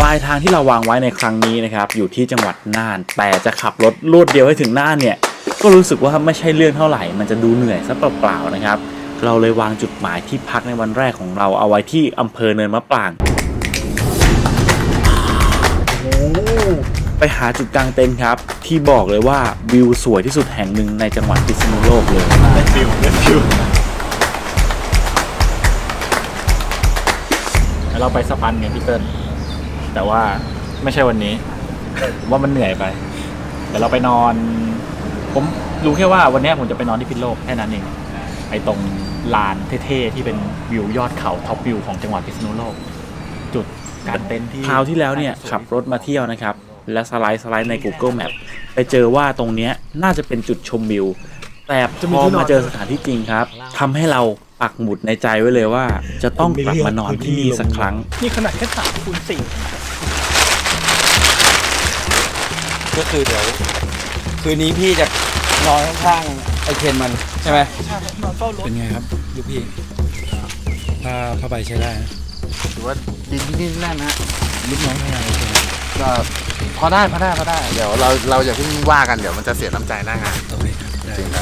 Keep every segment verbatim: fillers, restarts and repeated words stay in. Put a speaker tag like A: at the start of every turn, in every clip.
A: ลายทางที่เราวางไว้ในครั้งนี้นะครับอยู่ที่จังหวัดน่านแต่จะขับรถรวดเดียวให้ถึงน่านเนี่ยก็รู้สึกว่าไม่ใช่เรื่องเท่าไหร่มันจะดูเหนื่อยซะเปล่าๆนะครับเราเลยวางจุดหมายที่พักในวันแรกของเราเอาไว้ที่อำเภอเนินมะปรางไปหาจุดกางเต็นท์ครับที่บอกเลยว่าวิวสวยที่สุดแห่งหนึ่งในจังหวัดพิษณุโลกเลยได้ฟิวได้ฟิวเราไปสปันไงพี่เติ้ลแต่ว่าไม่ใช่วันนี้ว่ามันเหนื่อยไปเดี๋ยวเราไปนอนผมรู้แค่ว่าวันนี้ผมจะไปนอนที่พิษณุโลกแค่นั้นเองไอ้ตรงลานเท่ๆที่เป็นวิวยอดเขาท็อปวิวของจังหวัดพิษณุโลกจุดการเต็นท์ที่คราวที่แล้วเนี่ยขับรถมาเที่ยวนะครับและสไลด์สไลด์ใน Google Map ไปเจอว่าตรงนี้น่าจะเป็นจุดชมวิวแต่พอมาเจอสถานที่จริงครับทำให้เราปักหมุดในใจไว้เลยว่าจะต้องกลับมานอนที่นี่สักครั้ง
B: นี่ขนาดแค่สามคูณสี่
C: ก็คือเดี๋ยวคืนนี้พี่จะนอนข้างๆไอเคนมันใช่ไหม
B: ใช่นอนเฝ้ารถ
C: เป็นไงครับลูกพี่ผ้าผ้าใบใช้ได้นะ
D: ถือว่าดินนี่แน่นนะ
C: ลูกน้องทำงานโอเค
D: ก็พอได้พอได้พอได้เดี๋ยวเราเราอย่าเพิ่งว่ากันเดี๋ยวมันจะเสียน้ำใจหน้างาน
C: โอเคจริงครับ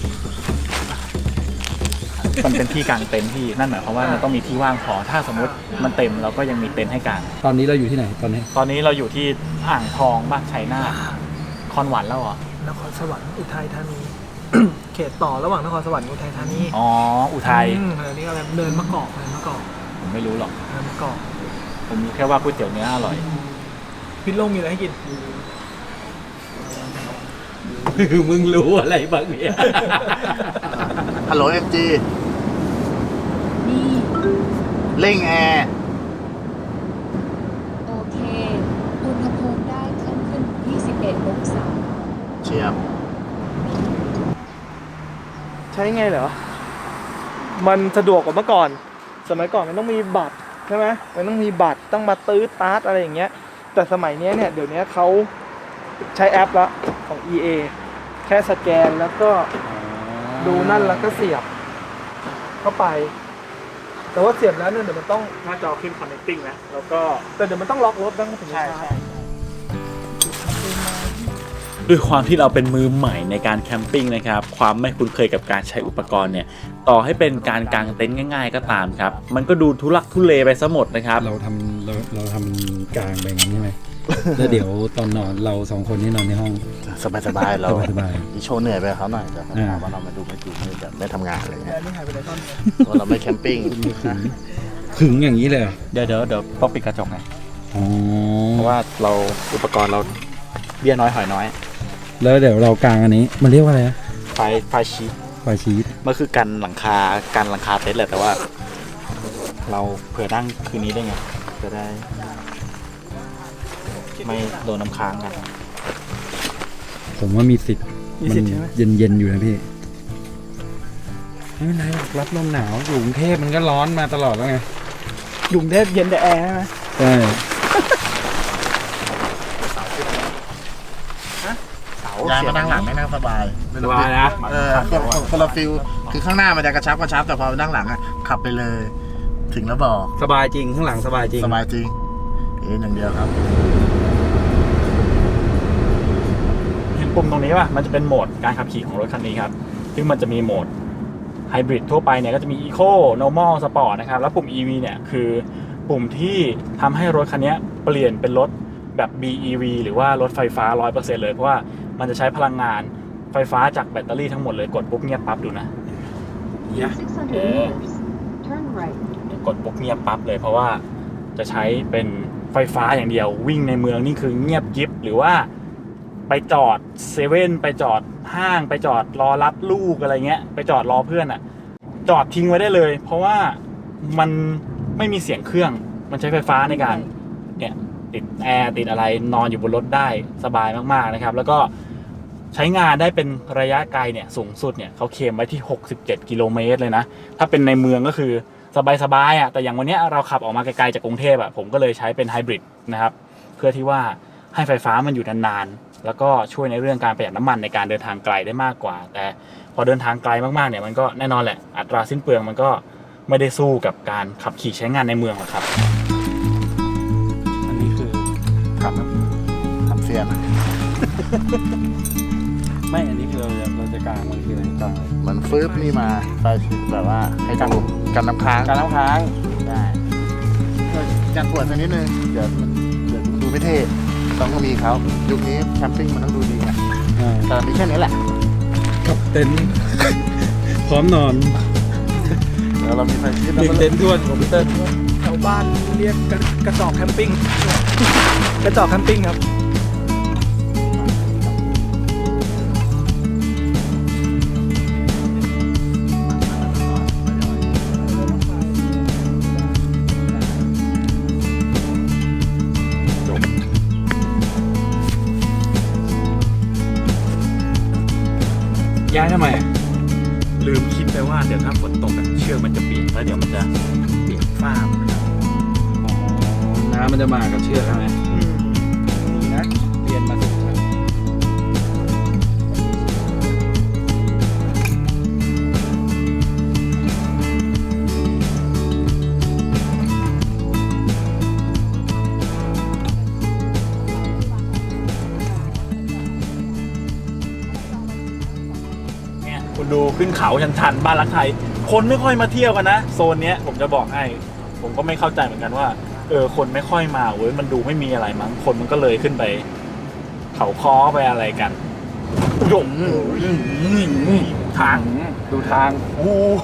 A: มันเป็นที่กางเต็นท์ที่นั่นหมายความว่ามันต้องมีที่ว่างพอถ้าสมมติมันเต็มเราก็ยังมีเต็นท์ให้กาง
C: ตอนนี้เราอยู่ที่ไหนตอนนี้
A: ตอนนี้เราอยู่ที่อ่างทองบ้านชัยนาทคอนหวานแล้วเหร
B: อนครสวรรค์อุทัยธานี เขตต่อระหว่างนครสวรรค์อุทัยธานี
A: อ๋ออุทัย
B: อันนี้อะไรเนินมะกอกเนินมะกอก
A: ผมไม่รู้หรอก
B: เนินมะกอก
A: ผมรู้แค่ว่าก๋วยเตี๋ยวเนื้ออร่อย
B: พิษณุโลกมีอะไรให้กิน
C: คือมึงรู้อะไรบ้างเนี่ย
D: ฮัลโหลเอ็มจีเร่งแอร์
E: โอเคอุณหภูมิได้เพิ่มขึ้นยี่สิบเอ็ดองศา
D: เชียบ
B: ใช้ไงเหรอมันสะดวกกว่าเมื่อก่อนสมัยก่อนมันต้องมีบัตรใช่ไหมมันต้องมีบัตรต้องมาตื้อตาร์ทอะไรอย่างเงี้ยแต่สมัยนี้เนี่ยเดี๋ยวนี้เขาใช้แอปละของ อี เอ แค่สแกนแล้วก็ดูนั่นแล้วก็เสียบเข้าไปแต่ว่าเสียบแล้วเนี่ยเดี๋ยวมันต้อง
A: หน้าจอขึ้น connecting นะแล้วก็
B: แต่เดี๋ยวมันต้องล็อกรถต้องถึงใช่ใช่
A: ด้วยความที่เราเป็นมือใหม่ในการแคมปิ้งนะครับความไม่คุ้นเคยกับการใช้อุปกรณ์เนี่ยต่อให้เป็นการกางเต็นท์ง่ายๆก็ตามครับมันก็ดูทุลักทุเลไปซะหมดนะครับ
C: เราทำเราเราทำกลางไปงั้นใช่ไหมแล้วเดี๋ยวตอนนอนเราสองคนนี่นอนในห้อง
D: สบายๆเรา
C: สบาย
D: ๆมีโชว์เหนื่อยไปเขาหน่อยแต่เขาถามว่าเรามาดูไม่ดูไม่แบบไม่ทำงานอะไรเงี้ย
B: นี่หายไปไหนตอนนี้
D: เพราะเราไม่แคมปิ้ง
C: ขึงอย่างนี้เลย
A: เดี๋ยวเดี๋ยวเดี๋ยวต้องปิดกระจกไง
C: อ๋อ
A: เพราะว่าเราอุปกรณ์เราเบี้ยน้อยหอยน้อย
C: แล้วเดี๋ยวเรากางอันนี้มันเรียกว่าอะไรนะ
A: ไฟไฟชีท
C: ไฟชีท
A: มันคือกันหลังคากันหลังคาเต็นท์แหละแต่ว่าเราเผื่อนั่งคืนนี้ได้ไงจะได้ไม่โดนน้ำค้างกัน
C: ผมว่ามีสิทธิ์มันเย็นๆอยู่นะพี่ไม่เป็นไรหรอกรับลมหนาวอยู่กรุงเทพมันก็ร้อนมาตลอดแล้วไง
B: กรุงเทพเย็นแต่แอร์ใช่ไหม
C: ใช่
D: ยายมานั่งหลังไม่นั่งสบาย
A: สบายนะ
D: เออคนละฟิลคือข้างหน้ามันจะกระชับกระชับแต่พอนั่งหลังอ่ะขับไปเลยถึงแล้วบอก
C: สบายจริงข้างหลังสบายจริง
D: สบายจริงเอ็นอย่างเดียวครับ
A: เห็นปุ่มตรงนี้ป่ะมันจะเป็นโหมดการขับขี่ของรถคันนี้ครับซึ่งมันจะมีโหมดไฮบริดทั่วไปเนี่ยก็จะมี Eco Normal Sport นะครับแล้วปุ่ม อี วี เนี่ยคือปุ่มที่ทำให้รถคันนี้เปลี่ยนเป็นรถแบบ บี อี วี หรือว่ารถไฟฟ้า ร้อยเปอร์เซ็นต์ เลยเพราะว่ามันจะใช้พลังงานไฟฟ้าจากแบตเตอรี่ทั้งหมดเลยกดปุ๊บเงียบปั๊บดูนะกดปุ๊บเงียบปั๊บเลยเพราะว่าจะใช้เป็นไฟฟ้าอย่างเดียววิ่งในเมืองนี่คือเงียบกิ๊บหรือว่าไปจอดเซเว่นไปจอดห้างไปจอดรอรับลูกอะไรเงี้ยไปจอดรอเพื่อนอ่ะจอดทิ้งไว้ได้เลยเพราะว่ามันไม่มีเสียงเครื่องมันใช้ไฟฟ้าในการเนี่ยติดแอร์ติดอะไรนอนอยู่บนรถได้สบายมากๆนะครับแล้วก็ใช้งานได้เป็นระยะไกลเนี่ยสูงสุดเนี่ยเขาเคลมไว้ที่หกสิบเจ็ดกิโลเมตรเลยนะถ้าเป็นในเมืองก็คือสบายๆอ่ะแต่อย่างวันนี้เราขับออกมาไกลๆจากกรุงเทพอ่ะผมก็เลยใช้เป็นไฮบริดนะครับเพื่อที่ว่าให้ไฟฟ้ามันอยู่นานๆแล้วก็ช่วยในเรื่องการประหยัดน้ำมันในการเดินทางไกลได้มากกว่าแต่พอเดินทางไกลมากๆเนี่ยมันก็แน่นอนแหละอัตราสิ้นเปลืองมันก็ไม่ได้สู้กับการขับขี่ใช้งานในเมืองหรอกครับอันนี้คือ
D: ซียน
C: ไม่ อันนี้คือเราจะเราจะกลางมันคืออะไรกลาง
D: มันฟื้บนี่มาไปแบบว่าให้กันกันน้ำค้าง
C: การน้ำค้าง
D: ได้การปวดสักนิดนึงเดี๋ยวมันเดี๋ยวดูไม่เท่ต้องมีเขายุคนี้แคมปิ้งมันต้องดูดีไงแต่มีแค่นี้แหละ
C: กับเต็นท์ พร้อมนอน
D: แล้วเรามีไฟชิด
C: หนึ่งเต็นท์ทวนคอมพิวเตอร์
B: แถวบ้านเรียกกระกระจอกแคมปิ้ง กระจอกแคมปิ้งครับ
A: ย้ายทำไมอะลืมคิดไปว่าเดี๋ยวถ้าฝนตกอะเชือกมันจะเปียกแล้วเดี๋ยวมันจะเปียกฝ้าหมดครับ
C: น้ำมันจะมากับเชือกใช่ไหม
B: อืม
C: ดีนะเรียนมาถูกทาง
A: เนี่ยคุณดูขึ้นเขาชันๆบ้านรักไทย คนไม่ค่อยมาเที่ยวกันนะโซนเนี้ยผมจะบอกให้ ผมก็ไม่เข้าใจเหมือนกันว่าเออคนไม่ค่อยมาเว้ยมันดูไม่มีอะไรมั้งคนมันก็เลยขึ้นไป เขาค้อไปอะไรกันโอ้โหทาง
C: ดูทาง
A: โอ้โห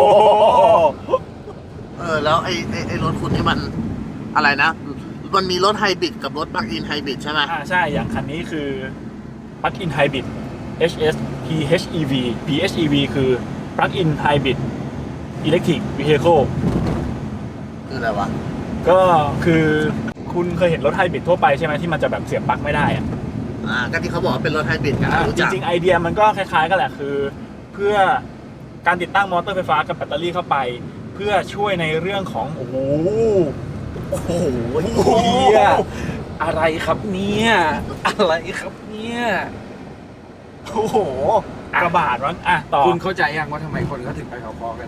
D: เออแล้วไอ้ไอ้ไอ้รถคุณนี่มันอะไรนะ มันมีรถไฮบริดกับรถปลั๊กอินไฮบริดใช่ไหม
A: อ่าใช่อย่างคันนี้คือ Plug-in Hybrid เอช เอส พี เอช อี วี พี เอช อี วี คือ Plug-in Hybrid Electric Vehicle
D: คืออะไรวะ
A: ก็คือคุณเคยเห็นรถไฮบริดทั่วไปใช่ไหมที่มันจะแบบเสียบปลั๊กไม่ได้อะ
D: อ่าก็ที่เขาบอกว่าเป็นรถไฮบริดกัน
A: อ่ะ
D: รู้
A: จ
D: จัก
A: ริงๆไอเดียมันก็คล้ายๆกันแหละคือ เพื่อการติดตั้งมอเตอร์ไฟฟ้ากับแบตเตอรี่เข้าไป เพื่อช่วยในเรื่องของโอ้โหโอ้โห
C: เฮียอะไรครับเนี่ยอะไรครับเนี่ย
A: โอ้โหกระบาดมั้งอ่ะต่อ
C: คุณเข้าใจยังว่าทำไมคนเขาถึงไปเขาคอกัน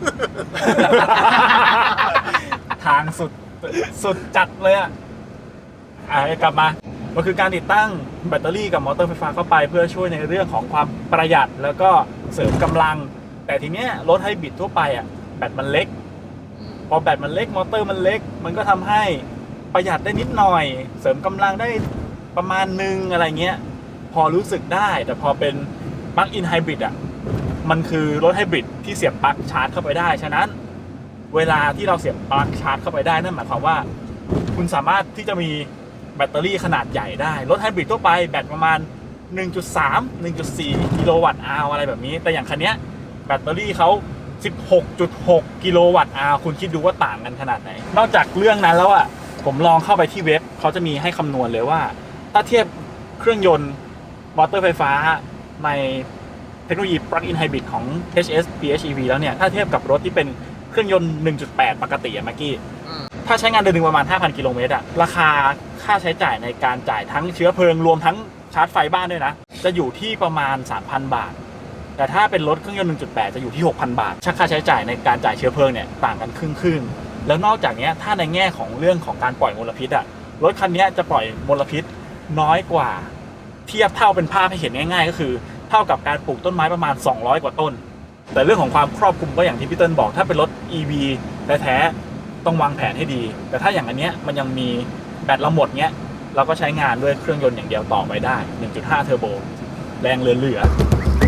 A: ทางสุดสุดจัดเลยอ่ะอ่ะกลับมามันคือการติดตั้งแบตเตอรี่กับมอเตอร์ไฟฟ้าเข้าไป เพื่อช่วยในเรื่องของความประหยัดแล้วก็เสริมกำลัง แต่ทีเนี้ยรถไฮบริดทั่วไปอ่ะแบตมันเล็ก พอแบตมันเล็กมอเตอร์มันเล็ก มันก็ทำให้ประหยัดได้นิดหน่อย เสริมกำลังได้ประมาณนึงอะไรเงี้ยพอรู้สึกได้แต่พอเป็นปลั๊กอินไฮบริดอ่ะมันคือรถไฮบริดที่เสียบปลั๊กชาร์จเข้าไปได้ฉะนั้นเวลาที่เราเสียบปลั๊กชาร์จเข้าไปได้นั่นหมายความว่า คุณสามารถที่จะมีแบตเตอรี่ขนาดใหญ่ได้รถไฮบริดทั่วไปแบตประมาณ หนึ่งจุดสาม หนึ่งจุดสี่ กิโลวัตต์อาวอะไรแบบนี้แต่อย่างคันเนี้ยแบตเตอรี่เขา สิบหกจุดหก กิโลวัตต์อาวคุณคิดดูว่าต่างกันขนาดไหนนอกจากเรื่องนั้นแล้วอ่ะผมลองเข้าไปที่เว็บเขาจะมีให้คำนวณเลยว่า ถ้าเทียบเครื่องยนต์มอเตอร์ไฟฟ้าในเทคโนโลยี Plug-in Hybrid ของ เอช เอส พี เอช อี วี แล้วเนี่ยถ้าเทียบกับรถที่เป็นเครื่องยนต์ หนึ่งจุดแปด ปกติอะเมื่อกี้ถ้าใช้งานเดือนหนึ่งประมาณ ห้าพัน กิโลเมตรอะราคาค่าใช้จ่ายในการจ่ายทั้งเชื้อเพลิงรวมทั้งชาร์จไฟบ้านด้วยนะจะอยู่ที่ประมาณ สามพัน บาทแต่ถ้าเป็นรถเครื่องยนต์ หนึ่งจุดแปด จะอยู่ที่ หกพัน บาทค่าใช้จ่ายในการจ่ายเชื้อเพลิงเนี่ยต่างกันครึ่งครึ่งแล้วนอกจากนี้ถ้าในแง่ของเรื่องของการปล่อยมลพิษอะรถคันนี้จะปล่อยมลพิษน้อยกว่าเทียบเท่าเป็นภาพให้เห็นง่ายๆก็คือเท่ากับการปลูกต้นไม้ประมาณสองร้อยกว่าต้นแต่เรื่องของความครอบคลุมก็อย่างที่พี่เติ้ลบอกถ้าเป็นรถ อี วี แท้ๆต้องวางแผนให้ดีแต่ถ้าอย่างอันเนี้ยมันยังมีแบตเราหมดเนี้ยเราก็ใช้งานด้วยเครื่องยนต์อย่างเดียวต่อไปได้ หนึ่งจุดห้า เทอร์โบแรงเหลือๆ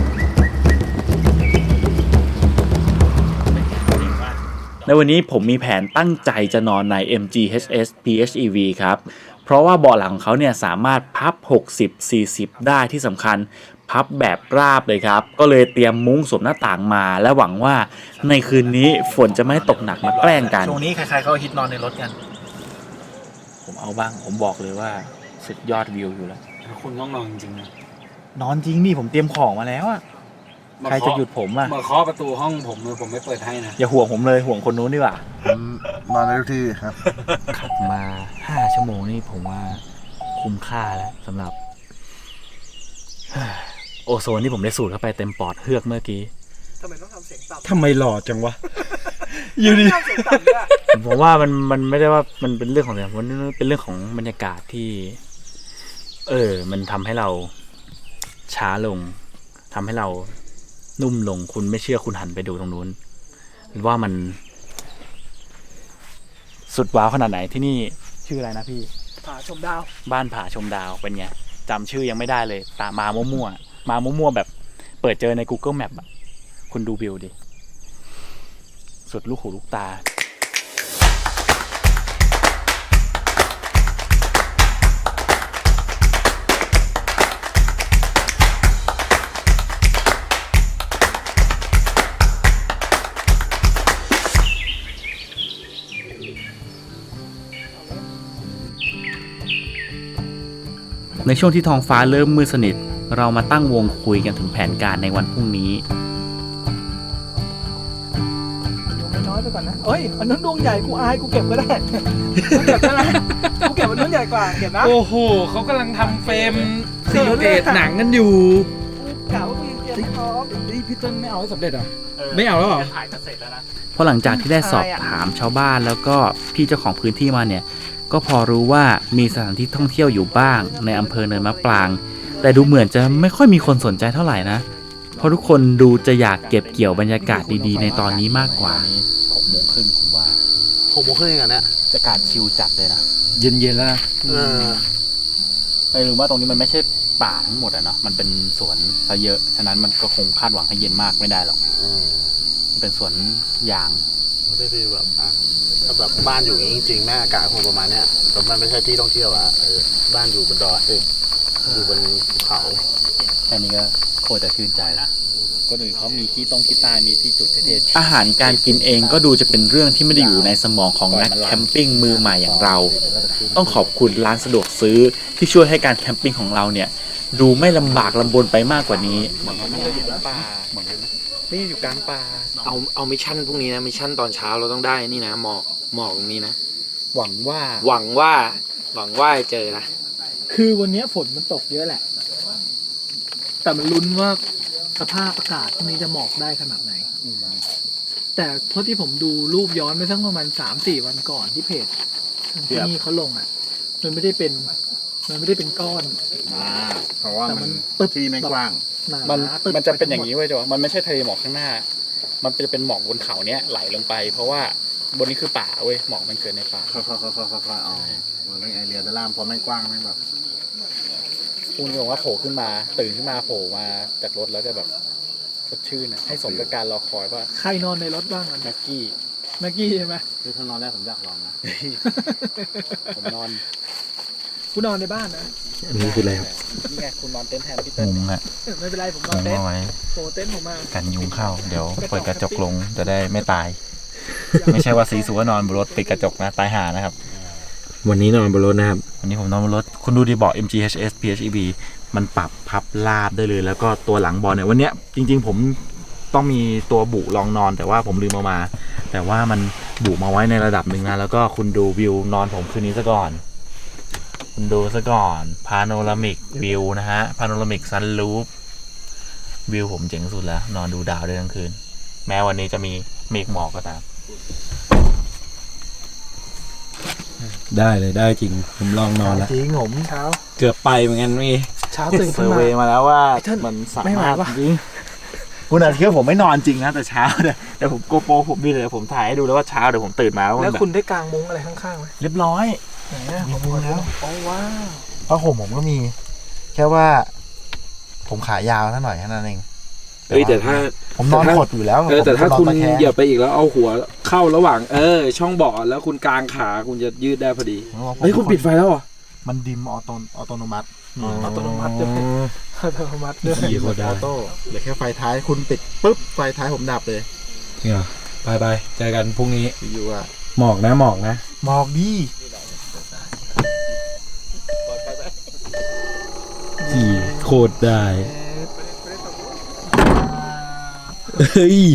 A: ในวันนี้ผมมีแผนตั้งใจจะนอนใน เอ็ม จี เอช เอส พี เอช อี วี ครับเพราะว่าเบาะหลังของเขาเนี่ยสามารถพับ หกสิบ สี่สิบ ได้ที่สำคัญพับแบบราบเลยครับก็เลยเตรียมมุ้งสวมหน้าต่างมาและหวังว่าในคืนนี้ฝนจะไม่ตกหนักมาแกล้งกันช่วงนี้ใครๆเขาฮิตนอนในรถกันผมเอาบ้างผมบอกเลยว่าสุดยอดวิวอยู่แล้ว
C: คุณต้องนอนจริงๆนะ
A: นอนจริงนี่ผมเตรียมของมาแล้วอะใครจะหยุดผมอะ
C: มาเคาะประตูห้องผมเลยผมไม่เปิดให้นะ
A: อย่าห่วงผมเลยห่วงคนนู้นดีกว่า
D: ผมนอนในทุกที่ครับ
A: ขับมาห้าชั่วโมงนี่ผมว่าคุ้มค่าแล้วสำหรับ โอโซนที่ผมได้สูดเข้าไปเต็มปอดเฮือกเมื่อกี้
B: ทำไมต้องทำเสียงต่ำ
C: ทำไมหล่อจังวะ
B: อยู่ดีทำเสียงต่ำด้วย
A: ผมว่ามันมันไม่ได้ว่ามันเป็นเรื่องของอะไรมันเป็นเรื่องของบรรยากาศที่เออ มันทำให้เราช้าลงทำให้เรานุ่มลงคุณไม่เชื่อคุณหันไปดูตรงนู้นว่ามัน สุดว้าวขนาดไหนที่นี่ชื่ออะไรนะพี่
B: ผาชมดาว
A: บ้านผาชมดาวเป็นไงจำชื่อยังไม่ได้เลยตามมามั่วๆมามั่วๆแบบเปิดเจอใน Google Map อะคุณดูวิวดิ สุดลูกหูลูกตา ในช่วงที่ท้องฟ้าเริ่มมืดสนิทเรามาตั้งวงคุยกันถึงแผนการในวันพรุ่งนี้
B: ดวงน้อยไปก่อนนะเอ้ยอันนั้นดวงใหญ่กูอายกูเก็บก็ได้ กูเก็บได้ไหมกูเก็บอันนั้นใหญ่กว่าเก็บนะ
C: โอ้โหเขากำลังทำเฟรมซีลเดตหนังกันอยู่
B: กล่าวว่ากูยังเตรียมไม่พร้อม
C: นี่พี่ต้นไม่เอาให้สำเร็จเหรอ ไม่เอาแล้วเหรอ
A: ถ่ายจะเสร็จแล้วนะเพราะหลังจากที่ได้สอบถามชาวบ้านแล้วก็พี่เจ้าของพื้นที่มาเนี่ยก็พอรู้ว่ามีสถานที่ท่องเที่ยวอยู่บ้างในอำเภอเนินมะปรางแต่ดูเหมือนจะไม่ค่อยมีคนสนใจเท่าไหร่นะเพราะทุกคนดูจะอยากเก็บเกี่ยวบรรยากาศดีๆในตอนนี้มากกว่าหกโมงครึ่งผมว่า
D: หกโมงครึ่งอย่างเนี้ย
A: บรรยากาศชิลจัดเลยนะ
C: เย็นๆแล้วนะ
D: เออ
A: ไม่รู้ว่าตรงนี้มันไม่ใช่ป่าทั้งหมดอะเนาะมันเป็นสวนซะเยอะฉะนั้นมันก็คงคาดหวังให้เย็นมากไม่ได้หรอก
D: อืม
A: มันเป็นสวนยาง
D: ไม่ได้ฟีลแบบอ่ะถ้าแบบบ้านอยู่อย่างนี้จริงๆแม่อากาศคงประมาณเนี้ยแต่มันไม่ใช่ที่ท่องเที่ยวอ่ะเออบ้านอยู่บนดอยเอออยู่บนภูเขา
A: แค่นี้ก็โคตรจะชื่นใจแล้วคนอื่นเขามีที่ตรงที่ตายมีที่จุดเท่ๆอาหารการกินเองก็ดูจะเป็นเรื่องที่ไม่ได้อยู่ในสมองของนักแคมปิ้งมือใหม่อย่างเรา ต้องขอบคุณร้านสะดวกซื้อที่ช่วยให้การแคมปิ้งของเราเนี่ยดูไม่ลำบากลำบนไปมากกว่านี้เหมือนมันไม่ได้อยู่ป่าเหมือนนี่อยู่กลางป่า
F: เอาเอามิชชั่นพรุ่งนี้นะมิชชั่นตอนเช้าเราต้องได้นี่นะหมอกหมอกตรงนี้นะ
A: หวังว่า
F: หวังว่าหวังว่าจะเจอนะ
B: คือวันนี้ฝนมันตกเยอะแหละ แต่มันลุ้นว่าสภาพอากาศพรุ่งนี้จะหมอกได้ขนาดไหน แต่เพราะที่ผมดูรูปย้อนไปสักประมาณสามสี่วันก่อนที่เพจทางที่นี่เขาลงอ่ะ มันไม่ได้เป็น มันไม่ได้เป็นก้อน
D: อ่าเพราะว่า
B: แต่
D: มั
B: มัน นปึ๊บ
D: ที่ไม่กว้าง
B: หนา
A: มัน
B: ตึ๊ด
A: มันจะเป็นอย่างนี้เว้ยจ้ะมันไม่ใช่ทะเลหมอกข้างหน้า มันจะเป็นหมอกบนเขาเนี้ยไหลลงไป เพราะว่าบนนี้คือป่าเว้ยหมอกมันเกิดในป่า
D: ค่อยๆค่อยๆค่อยๆอ๋อมันเรื่องไอเรียด้านล่างเพราะไม่กว้างไม่แบบ
A: คุณบอกว่าโผล่ขึ้นมาตื่นขึ้นมาโผล่มาจากรถแล้วจะแบบสดชื่นอะให้สมกับการรอคอยว่า
B: ใครนอนในรถบ้างอ่ะ
A: แม็กกี้
B: แม็กกี้ใช่ไหม
D: คือถ้านอนแรกผมอยากลองนะ
A: ผมนอน
B: กูนอนในบ้านนะ
C: อันนี้คืออะไรครับ
A: นี่ไงคุณนอนเต็นท์แทนพี่เติ้ล
G: มุงอะ
B: ไม่เป็นไรผมนอนเต็นท์
G: เอาไว้
B: โปรเต็นท์ผมมา
G: กันยุงเข้า เดี๋ยวเปิดกระจกลงจะได้ไม่ตาย ไม่ใช่ว่าสีสัวนอนบนรถปิดกระจกนะตายห่านะครับ
C: วันนี้นอนบนรถนะครับ
G: วันนี้ผมนอนบนรถคุณดูดีเบอก เอ็ม จี เอช เอส พี เอช อี บี
A: มันปรับพับลาบได้เลยแล้วก็ตัวหลังบอลเนี่ยวันเนี้ยจริงๆผมต้องมีตัวบุรองนอนแต่ว่าผมลืมเอามา แต่ว่ามันบุมาไว้ในระดับหนึ่งนะแล้วก็คุณดูวิวนอนผมคืนนี้ซะก่อน คุณดูซะก่อนพาโนรามิกวิวนะฮะพาโนรามิกซันรูฟวิวผมเจ๋งสุดแล้ว นอนดูดาวได้ทั้งคืน แม้วันนี้จะมีเมฆหมอกก็ตาม
C: ได้เลยได้จริง ผมลองนอนแล้ว
B: จริงผมเช้า
C: เกือบไปเหมือนกันพี่
B: เช้าตื่น
A: เซ
B: ขึ้
A: อน ร์
B: มา
A: เวย์มาแล้วว่า
B: ไอ้เทิด
A: มันสา
B: ไม่ไหว
A: มารถ
B: ว่ะ
A: จริงคุณอาจจะคิดว่าผมไม่นอนจริงนะแต่เช้าเนี่ยแต่ผมโกโปรผมมีเลยผมถ่ายให้ดูแล้วว่าเช้าเดี๋ยวผมตื่นมาว่ามัน
B: แล้ว
A: แบบ
B: คุณได้กางมุ้งอะไรข้างๆไหม
A: เรียบร้อย
B: ไหนอะผมดูแล้วโอ้ว้าว
D: ผ้าห่มผมก็มี แค่ว่า ผมขายาวท่าหน่อยแค่นั้นเอง
C: เฮ้ยแต่ถ้า
D: ผมนอนขดอยู่แล้ว
C: เออแต่ถ้า
D: ผม
C: คุณ
D: นอนตะแง
C: เหยียบไปอีกแล้วเอาหัวเข้าระหว่าง เออ ช่องเบาะแล้วคุณกางขาคุณจะยืดได้พอดี เฮ้ยคุณปิดไฟแล้วเหรอ
D: มันดิมออโตออโตโนมัติ
B: อัตโนมัติด้วยอัตโนมัติด้วย
C: ขี่โคตรได้
D: ออโต้เหลือแค่ไฟท้ายคุณปิดปุ๊บไฟท้ายผมดับเลย
C: เนี่ยไปไปเจอกันพรุ่งนี้
D: อยู่อ่ะ
C: หมอกนะหมอกนะ
D: หมอกดี
C: ขี่โคตรได้ เฮ้ย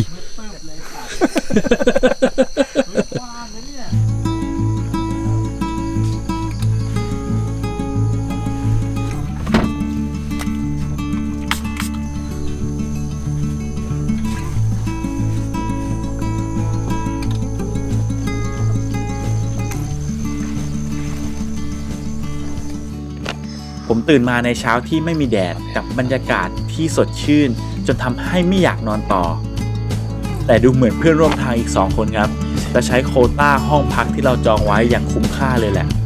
A: ผมผมตื่นมาในเช้าที่ไม่มีแดดกับบรรยากาศที่สดชื่นจนทำให้ไม่อยากนอนต่อแต่ดูเหมือนเพื่อนร่วมทางอีกสองคนครับจะใช้โควต้าห้องพักที่เราจองไว้อย่างคุ้มค่าเลยแหละ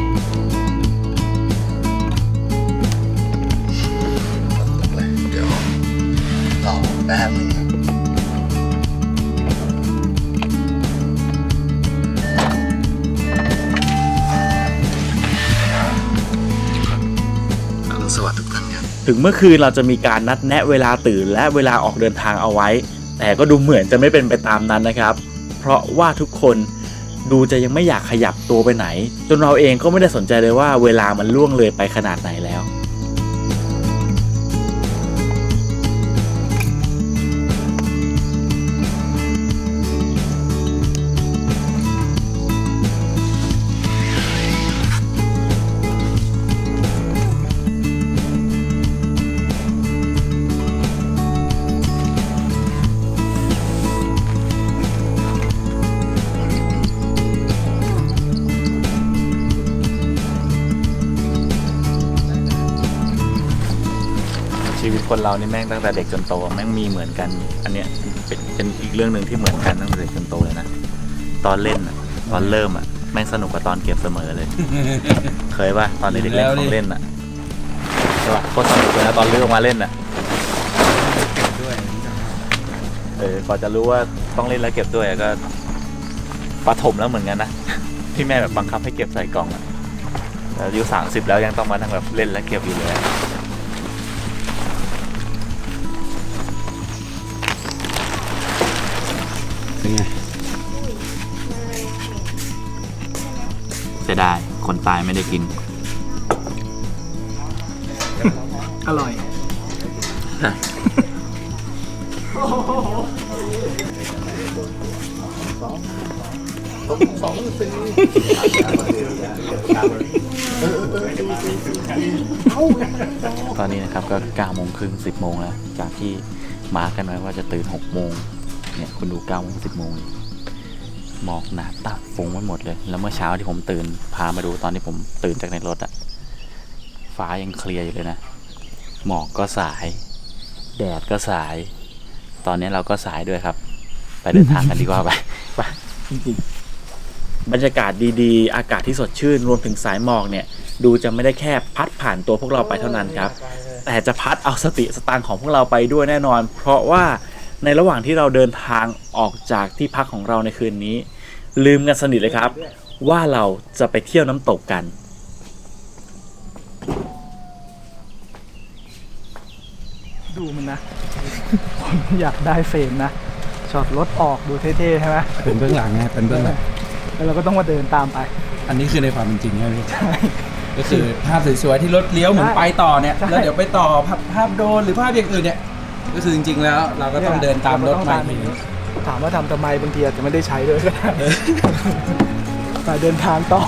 D: เดี๋ยวรอแป๊บนึงอรุณสวัสดิ์ทุกท่านครับ
A: ถึงเมื่อคืนเราจะมีการนัดแนะเวลาตื่นและเวลาออกเดินทางเอาไว้แต่ก็ดูเหมือนจะไม่เป็นไปตามนั้นนะครับเพราะว่าทุกคนดูจะยังไม่อยากขยับตัวไปไหนจนเราเองก็ไม่ได้สนใจเลยว่าเวลามันล่วงเลยไปขนาดไหนแล้วชีวิตคนเรานี่แม่งตั้งแต่เด็กจนโตแม่งมีเหมือนกันอันเนี้ยเป็นเป็นอีกเรื่องหนึ่งที่เหมือนกันตั้งแต่เด็กจนโตเลยนะตอนเล่นอะตอนเริ่มอะแม่งสนุกกว่าตอนเก็บเสมอเลย เคยป่ะตอนเด็กๆเล่นของเล่นอะใช่ป่ะโคตรสนุกเลยนะตอนเลือกมาเล่นอะเออพอจะรู้ว่าต้องเล่นแล้วเก็บด้วยก็ปฐมแล้วเหมือนกันนะที่แม่แบบบังคับให้เก็บใส่กล่องอะแล้วอายุสามสิบแล้วยังต้องมาทั้งแบบเล่นและเก็บอยู่เลย
C: เป็นไง
A: เสียดายคนตายไม่ได้กิน
B: อร่อย
A: ตอนนี้นะครับก็เก้าโมงครึ่งสิบโมงแล้วจากที่มาร์กกันไว้ว่าจะตื่นหกโมงเนี่ยคุณดูเก้าโมงสิบโมงหมอกหนาตาฟุ้งไปหมดเลยแล้วเมื่อเช้าที่ผมตื่นพามาดูตอนที่ผมตื่นจากในรถอะฟ้ายังเคลียร์อยู่เลยนะหมอกก็สายแดดก็สายตอนนี้เราก็สายด้วยครับไปเดินทางกันดีกว่าไปไปจริงๆบรรยากาศดีๆอากาศที่สดชื่นรวมถึงสายหมอกเนี่ยดูจะไม่ได้แค่พัดผ่านตัวพวกเราไปเท่านั้นครับแต่จะพัดเอาสติสตางค์ของพวกเราไปด้วยแน่นอนเพราะว่าในระหว่างที่เราเดินทางออกจากที่พักของเราในคืนนี้ลืมกันสนิทเลยครับว่าเราจะไปเที่ยวน้ำตกกัน
B: ดูมันนะ ผมอยากได้เฟรมนะช็อตรถออกดูเท่ๆใช่ไหม
C: เป็นเบื้องหลังไงเป็นเบื้องหลัง
B: แล้วเราก็ต้องมาเดินตามไป
C: อันนี้คือในความเป็นจริงใช่ไหมพี่
B: ใช่
C: ก็คือภาพสวยๆที่รถเลี้ยวเหมือนไปต่อเนี่ย
B: ใช่
C: แล้วเดี๋ยวไปต่อภาพภาพโดรนหรือภาพอย่างอื่นเนี่ยก็คือจริงๆแล้วเราก็ต้องเดินตามรถมาทีนี้
B: ถามว่าทำทำไมบางทีอาจจะไม่ได้ใช้ด้วยก็ได้ ไปเดินทางต่อ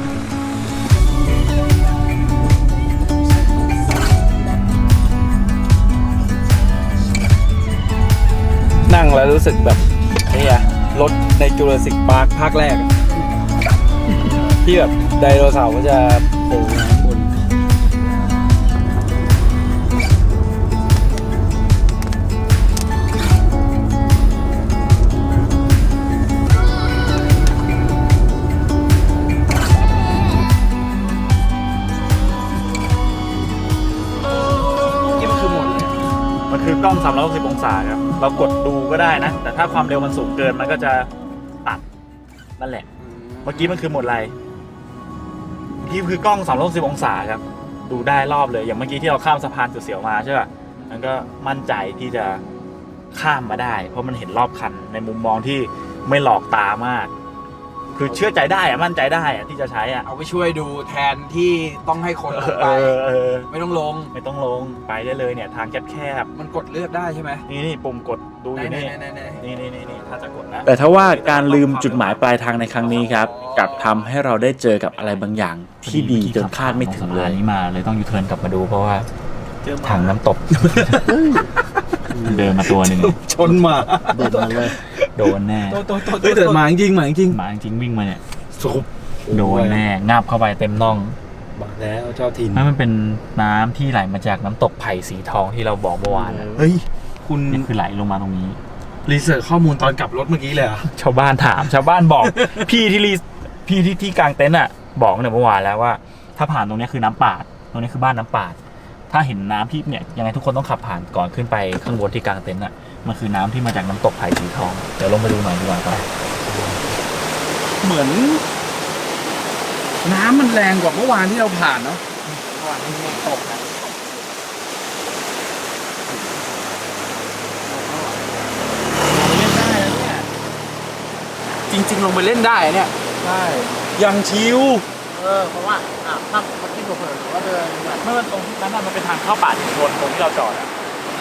C: นั่งแล้วรู้สึกแบบนี่อะรถในจูราสสิกพาร์คภาคแรกอะที่แบบไดโนเสาร์ก็จะโผล่มาข้างบน
A: มันคือกล้องสามร้อยหกสิบองศาครับเรากดดูก็ได้นะแต่ถ้าความเร็วมันสูงเกินมันก็จะตัดนั่นแหละเมื่อกี้มันคือโหมดอะไรที่คือกล้องสามร้อยหกสิบองศาครับดูได้รอบเลยอย่างเมื่อกี้ที่เราข้ามสะพานเสียวๆมาใช่ป่ะมันก็มั่นใจที่จะข้ามมาได้เพราะมันเห็นรอบคันในมุมมองที่ไม่หลอกตามากคือเชื่อใจได้อะมั่นใจได้อะที่จะใช้อะ
C: เอาไปช่วยดูแทนที่ต้องให้คนลง
A: เอ
C: ไป
A: อเออ
C: ไม่ต้องลง
A: ไม่ต้องลงไปได้เลยเนี่ยทางแคบ
C: มันกดเลือกได้ใช่ไหม
A: ๆนี่นี่ปุ่มกดดูอยู่นี่
C: ไหนๆๆๆ
A: นี่นี่นี่นี่ถ้าจะกดนะ
H: แต่ถ้าว่าการลืมจุดหมายปลายทางในครั้งนี้ครับกลับทำให้เราได้เจอกับอะไรบางอย่างที่ดีจนคาดไม่ถึงเลย
A: นี้มาเลยต้องยูเทิร์นกลับมาดูเพราะว่าถังน้ำตก เดินมาตัวหนึ่ง
C: ชนหมา
D: เดินมาเลย
A: โดนแน่
C: เฮ้ยแต่หมาจริงหมาจริง
A: หมาจริงวิ่งมาเนี่ยโดนแน่งับเข้าไปเต็มน่อง
C: บอกแล้วเจ้าถิ่น
A: นั่นมันเป็นน้ำที่ไหลมาจากน้ำตกไผ่สีทองที่เราบอกเมื่อวานนะ
C: เฮ้ย คุณ
A: นี่คือไหลลงมาตรงนี้
C: รีเสิร์ชข้อมูลตอนกลับรถเมื่อกี้เลยเหรอ
A: ชาวบ้านถาม ชาวบ้านบอก พี่ที่รีพี่ที่ที่กลางเต็นท์อ่ะบอกเนี่ยเมื่อวานแล้วว่า ถ้าผ่านตรงเนี้ยคือน้ำปาดตรงนี้คือบ้านน้ำปาด ถ้าเห็นน้ำที่เนี่ยยังไงทุกคนต้องขับผ่านก่อนขึ้นไปข้างบนที่กลางเต็นท์อ่ะมันคือน้ำที่มาจากน้ำตกไผ่สีทองเดี๋ยวลงไปดูหน่อยดีกว่าไป
C: เหมือน น้ำมันแรงกว่าเมื่อวานที่เราผ่านเนาะ
A: เมื่อวานนี้ตกนะ
C: จริง ๆ ลงไปเล่นได้เนี่ย
B: ใช่
C: ยังชิว
D: เออเพราะว่าอ่ะถ้ามันคิดเผื่อๆหรือว่าเดินแบบ
A: เมื่อมันตรงนั้นน่ะมันเป็นทางเข้าป่าชุมชนตรงที่เราจอดอ่ะ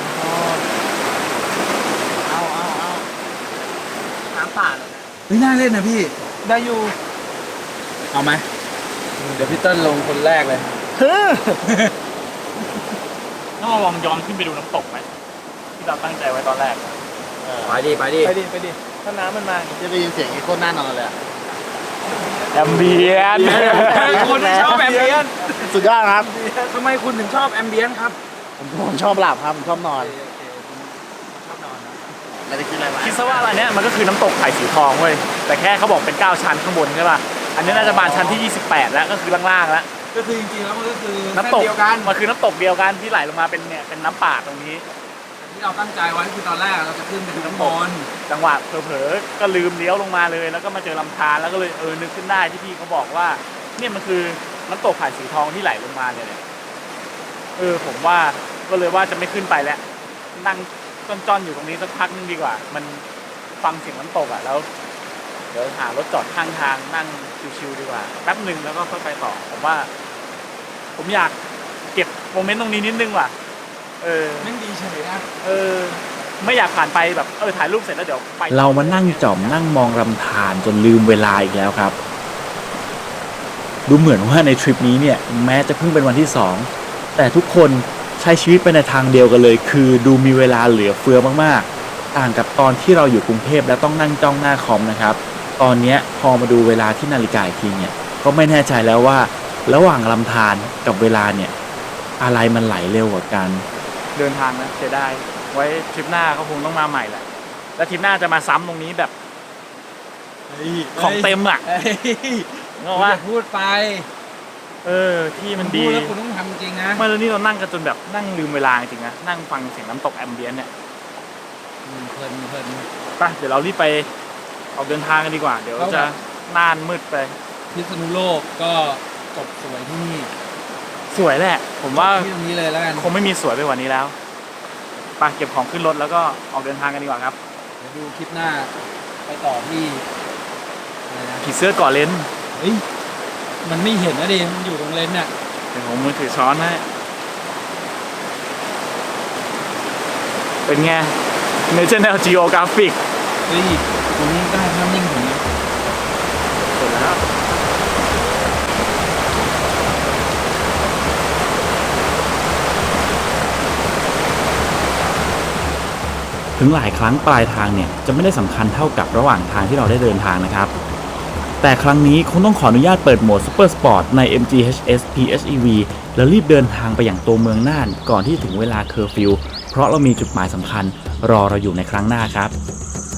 D: เอาเอาเอาน้ำป่าเลย
C: เฮ้ยน่าเล่นนะพี่
B: ได้อยู่
C: เอาไหมเดี๋ยวพี่เติ้ลลงคนแรกเลย
A: ต้องลองย้อนขึ้นไปดูน้ำตกไหมที่เราตั้งใจไว้ตอนแรก
G: ไปดิไปดิ
B: ไปดิไปดิถ้าน้ำมันมาอย่างงี้
D: จะได้ยินเสียงอีโคตรน่านอนเลยอะ
A: แอมเบียน
C: คนที่ชอบแอมเบียน
D: สุดยอดครับ
C: ทำไมคุณถึงชอบแอมเบียนครับ
D: ผมผมชอบหลับครับผมชอบนอนไม่ได้คิดอะไรมาก
A: คิดซะว่าอะไรเนี้ยมันก็คือน้ำตกไผ่สีทองเว้ยแต่แค่เขาบอกเป็นเก้าชั้นข้างบนใช่ป่ะอันนี้น่าจะบานชั้นที่ยี่สิบแปดแล้วก็คือล่างๆแล้ว
C: ก็คือจริงๆแล้วมันก็คือ
A: น้ำตก
C: เดียวกัน
A: มันคือน้ำตกเดียวกันที่ไหลลงมาเป็นเนี่ยเป็นน้ำป่าตรงนี้
C: ที่เราตั้งใจไว้คือตอนแรกเราจะขึ้นไปดูน้ำบอล
A: จังหวะเผลอๆก็ลืมเลี้ยวลงมาเลย แล้วก็มาเจอลำธารแล้วก็เลยเออนึกขึ้นได้ที่พี่เขาบอกว่าเนี่ยมันคือน้ำตกไผ่สีทองที่ไหลลงมาเนี่ยแหละเออผมว่าก็เลยว่าจะไม่ขึ้นไปแล้วนั่งจ้อนๆอยู่ตรงนี้สักพักนึงดีกว่า มันฟังเสียงน้ำตกอ่ะแล้วเดี๋ยวหารถจอดข้างทางนั่งชิวๆดีกว่าแป๊บหนึ่งแล้วก็ค่อยไปต่อผมว่า ผมอยากเก็บโมเมนต์ตรงนี้นิดนึงว่ะเออ
C: แม่งดีเฉยนะ
A: เออไม่อยากผ่านไปแบบเออถ่ายรูปเสร็จแล้วเดี๋ยวไป
H: เรามานั่งจ่อมนั่งมองลำธารจนลืมเวลาอีกแล้วครับ ดูเหมือนว่าในทริปนี้เนี่ยแม้จะเพิ่งเป็นวันที่สองแต่ทุกคนใช้ชีวิตไปในทางเดียวกันเลย คือดูมีเวลาเหลือเฟือมากๆต่างกับตอนที่เราอยู่กรุงเทพแล้วต้องนั่งจ้องหน้าคอมนะครับตอนเนี้ยพอมาดูเวลาที่นาฬิกาอีกทีเนี่ยก็ไม่แน่ใจแล้วว่าระหว่างลำธารกับเวลาเนี่ยอะไรมันไหลเร็วกว่ากัน
A: เดินทางนะเสียดายไว้ทริปหน้าเขาคงต้องมาใหม่แหละแล้วทริปหน้าจะมาซ้ำตรงนี้แบบของเต็มอ่ะ
C: เฮ้ย
A: เนกอะว่า
C: อย่าพูดไป
A: เออที่มันดี
C: พูดแล้วคุณต้องทำจริงนะ
A: ไม่แล้วนี่เรานั่งกันจนแบบนั่งลืมเวลาจริงๆนะนั่งฟังเสียงน้ำตกแอมเบียนต์เนี่ย
C: อืมเพลินเพลิน
A: ไปเดี๋ยวเรารีบไปออกเดินทางกันดีกว่า เดี๋ยว
C: เอา
A: จะ
C: แบบ
A: น่านมืดไป
C: พิษณุโลกก็จบสวยที่นี่
A: สวยแหละ ผมว่า
C: ที่ตรงนี้เลยแล้วกัน
A: คงไม่มีสวยไปกว่านี้แล้วไปเก็บของขึ้นรถแล้วก็ออกเดินทางกันดีกว่าครับ
C: เดี๋ยวดูคลิปหน้าไปต่อที่อะไรนะ
A: ผีเสื้อเกาะเลน
C: เฮ้ยมันไม่เห็นนะดิมันอยู่ตรงเลนส์น่ะ
A: เดี๋ยวผมมือถือช้อนให้เป็นไง National Geographic
C: เฮ้ยตรงนี้ได้ภาพนิ่งผมนะ
A: เสร็จแล้ว
H: ถึงหลายครั้งปลายทางเนี่ยจะไม่ได้สำคัญเท่ากับระหว่างทางที่เราได้เดินทางนะครับแต่ครั้งนี้คงต้องขออนุญาตเปิดโหมด Super Sport ใน เอ็ม จี เอช เอส พี เอช อี วี แล้วรีบเดินทางไปอย่างตัวเมืองน่านก่อนที่ถึงเวลาเคอร์ฟิวเพราะเรามีจุดหมายสำคัญรอเราอยู่ในครั้งหน้าครับ